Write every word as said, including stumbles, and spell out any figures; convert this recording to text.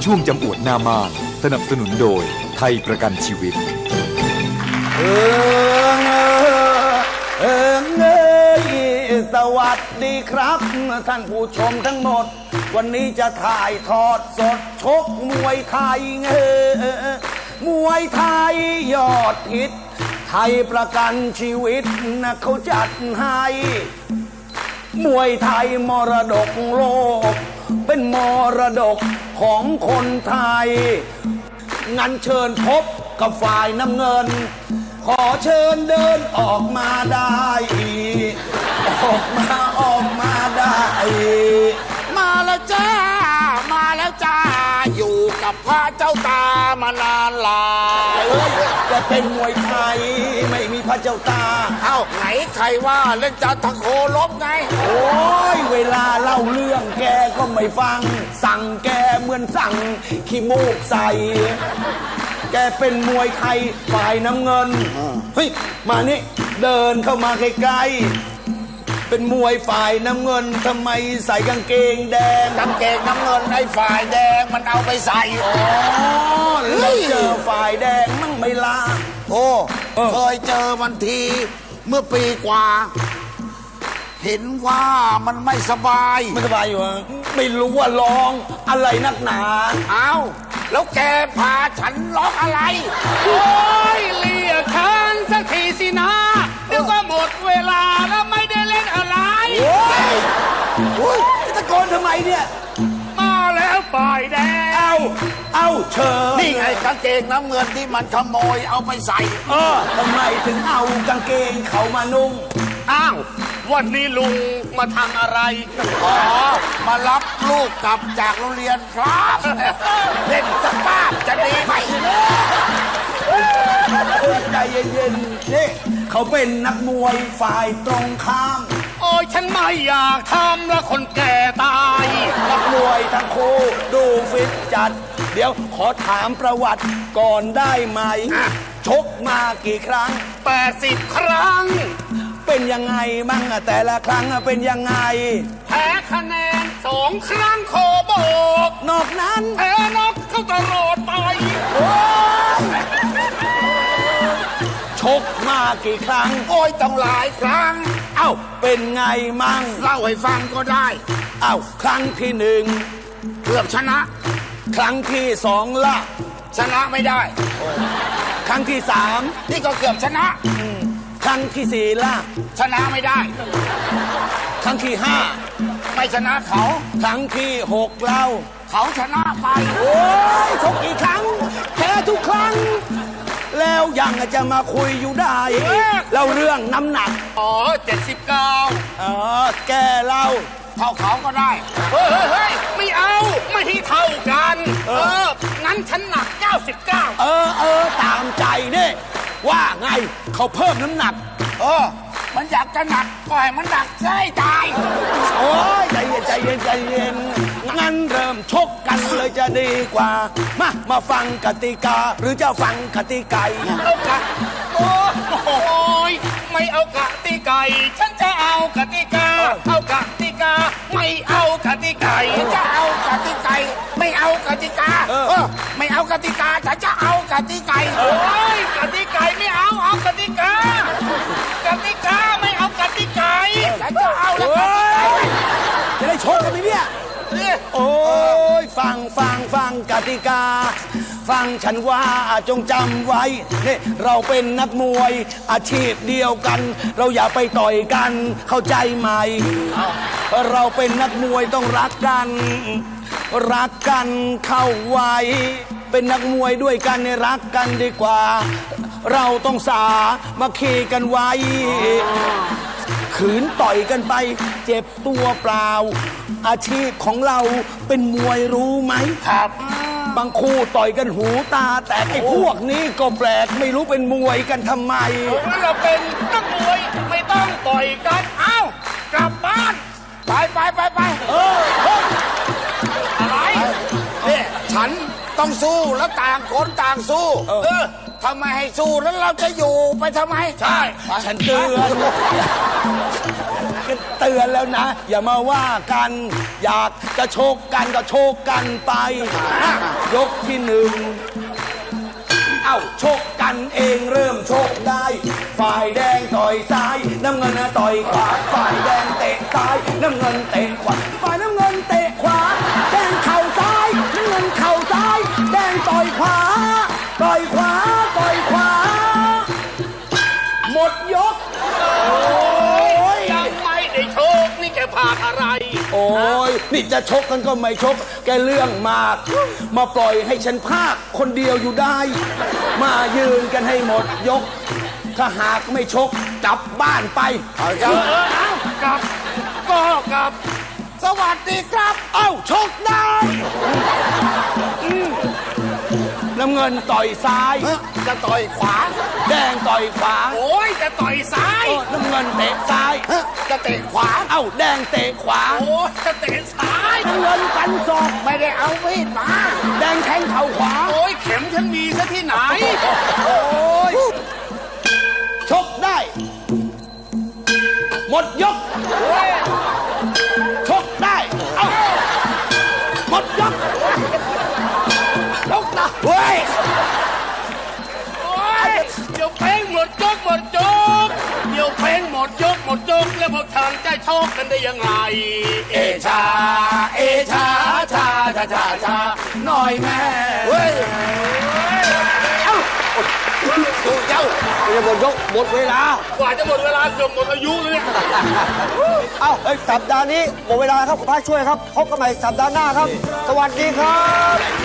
ช่วงจำอวดหน้าม่านสนับสนุนโดยไทยประกันชีวิตเออเออเออสวัสดีครับท่านผู้ชมทั้งหมดวันนี้จะถ่ายทอดสดชกมวยไทยเออมวยไทยยอดฮิตไทยประกันชีวิตนะเขาจัดให้มวยไทยมรดกโลกเป็นมรดกของคนไทยงั้นเชิญพบกับฝ่ายน้ำเงินขอเชิญเดินออกมาได้ออกมาออกมาได้มาแล้วจ้ามาแล้วจ้าอยู่กับพระเจ้าตามานานหลายจะเป็นมวยไทยไม่มีพระเจ้าตาเอ้าไหนใครว่าเล่นจันทโคลบไงโอ้ยเวลาเล่าเรื่องแกก็ไม่ฟังสั่งแกเหมือนสั่งขี้มูกใส่แกเป็นมวยไทยฝ่ายน้ำเงินเฮ้ยมานี่เดินเข้ามาใกล้ๆเป็นมวยฝ่ายน้ำเงินทำไมใส่กางเกงแดงกางเกงน้ำเงินไอ้ฝ่ายแดงมันเอาไปใส่อ๋อแล้วเจอฝ่ายแดงมั่งไม่ลาโอ้เคยเจอมันทีเมื่อปีกว่าเห็นว่ามันไม่สบายไม่สบายอยู่อ่ะไม่รู้ว่าร้องอะไรนักหนาอ้าวแล้วแกพาฉันร้องอะไรโอ้ยเรียกฉันสักทีสินะเดี๋ยวก็หมดเวลาแล้วไม่ได้เล่นอะไรโอ้ยโอ้ยตะโกนทำไมเนี่ยมาแล้วฝ่ายแดงเอาเอาเชิญนี่ไงกางเกงน้ำเงินที่มันขโมยเอาไปใส่เออทำไมถึงเอากางเกงเขามานุ่งอ้าววันนี้ลุงมาทำอะไรอ๋อมารับลูกกลับจากโรงเรียนครับเล่นสภาพจะดีไหมใจเย็นๆนี่เขาเป็นนักมวยฝ่ายตรงข้ามโอ้ยฉันไม่อยากทำแล้วคนแก่ตายนักมวยทั้งคู่ดูฟิตจัดเดี๋ยวขอถามประวัติก่อนได้ไหมชกมากี่ครั้งแปดสิบครั้งเป็นยังไงมั่งแต่ละครั้งเป็นยังไงแพ้คะแนนสองครั้งโคโบกนอกนั้นแพ้นกเข้าตลอดไปโอ้ยชกมากี่ครั้งโอ้ยต้องหลายครั้งเอ้าเป็นไงมั่งเล่าให้ฟังก็ได้เอ้าครั้งที่หนึ่งเกือบชนะครั้งที่สองละชนะไม่ได้ครั้งที่สามนี่ก็เกือบชนะครั้งที่สี่ล่ะชนะไม่ได้ครั้งที่ห้าไม่ชนะเขาครั้งที่หกเล่าเขาชนะไปโอ้ยชกกี่ครั้งแพ้ทุกครั้งแล้วยังจะมาคุยอยู่ได้แล้วเรื่องน้ำหนักอ๋อเจ็ดสิบเก้าอ๋อแกเล่าเท่าเขาก็ได้เฮ้ยเฮ้ยไม่เอาไม่ให้เท่ากันเอองั้นฉันหนักเก้าสิบเก้าเออเออตามใจนี่ว่าไงเขาเพิ่มน้ำหนักเออมันอยากจะหนักก็ให้มันหนักใช่ตายโอ้ยใจเย็นใจเย็นใจเย็นงั้นเริ่มชกกันเลยจะดีกว่ามามาฟังกติกาหรือจะฟังกติกาเอากะโอ้ยไม่เอากติกาฉันจะเอากติกาเอากติกาไม่เอากติกาฉันจะเอากติกาไม่เอากติกาเออไม่เอากติกาฉันจะเอากติกาโอ้ยกติกาไม่เอาเอากติกากติกาไม่เอากติกาฉันจะเอาแล้วกติกาจะได้ชกกันไหมเนี่ยโอ้ยฟังฟังฟังกติกาฟังฉันว่าจงจำไว้เนี่ยเราเป็นนักมวยอาชีพเดียวกันเราอย่าไปต่อยกันเข้าใจไหมเราเป็นนักมวยต้องรักกันรักกันเข้าไว้เป็นนักมวยด้วยกันเนี่ยรักกันดีกว่าเราต้องสามาคีกันไว้ขืนต่อยกันไปเจ็บตัวเปล่าอาชีพของเราเป็นมวยรู้ไหมครับบางคู่ต่อยกันหูตาแต่ไอ้พวกนี้ก็แปลกไม่รู้เป็นมวยกันทำไมเราเป็นนักมวยไม่ต้องต่อยกันเอ้ากลับบ้านไปไปไปไปเอออะไรเนี่ยฉันต้องสู้แล้วต่างคนต่างสู้เออทำไมให้สู้แล้วเราจะอยู่ไปทำไมใช่ฉันเตือนก็เตือนแล้วนะ อย่ามาว่ากัน อยากจะโชกกันก็โชกกันไป ยกที่หนึ่ง เอ้าโชกกันเองเริ่มโชกได้ ฝ่ายแดงต่อยซ้าย น้ำเงินนะต่อยขวา ฝ่ายแดงเตะซ้าย น้ำเงินเตะขวา ฝ่ายน้ำเงินเตะขวา แดงเข่าซ้าย น้ำเงินเข่าซ้าย แดงต่อยขวา ต่อยขวา ต่อยขวา หมดยก โอ้ยยังไม่ได้โชคนี่แกพาอะไรโอ้ยนี่จะชกกันก็ไม่ชก แกเรื่องมาก มาปล่อยให้ฉันพากคนเดียวอยู่ได้ มายืนกันให้หมดยก ถ้าหากไม่ชกกลับบ้านไปเอาเอจ้ะอเอากลับก็กลับสวัสดีครับเอ้าชกได้อืมน้ำเงินต่อยซ้ายเอ้อจะต่อยขวาแดงต่อยขวาโอ้ยจะต่อยซ้ายเออน้ำเงินเตะซ้ายเอ้อจะเตะขวาเอ้าแดงเตะขวาโอ้ยจะเตะซ้ายน้ำเงินฟันศอกไม่ได้เอามีดมาแดงแทงเข่าขวาโอ้ยเข็มฉันมีซะที่ไหนโอ้ยชกได้ หมดยก ชกได้ เอ้าหมดยก ชกได้เฮ้ยโอ้ยเดี๋ยวเพลงหมดยกหมดยกเดี๋ยวเพลงหมดยกหมดยกแล้วพวกเธอจะโชคกันได้ยังไง เอชา เอชาชาชาชาชาหน่อยแม่เฮ้ยดูเจ้าจะหมดยกหมดเวลากว่าจะหมดเวลาเกือบหมดอายุแล้วเนี่ยเอ้าเอ้ยสัปดาห์นี้หมดเวลาครับคุณพระช่วยครับพบกันใหม่สัปดาห์หน้าครับ สวัสดีครับ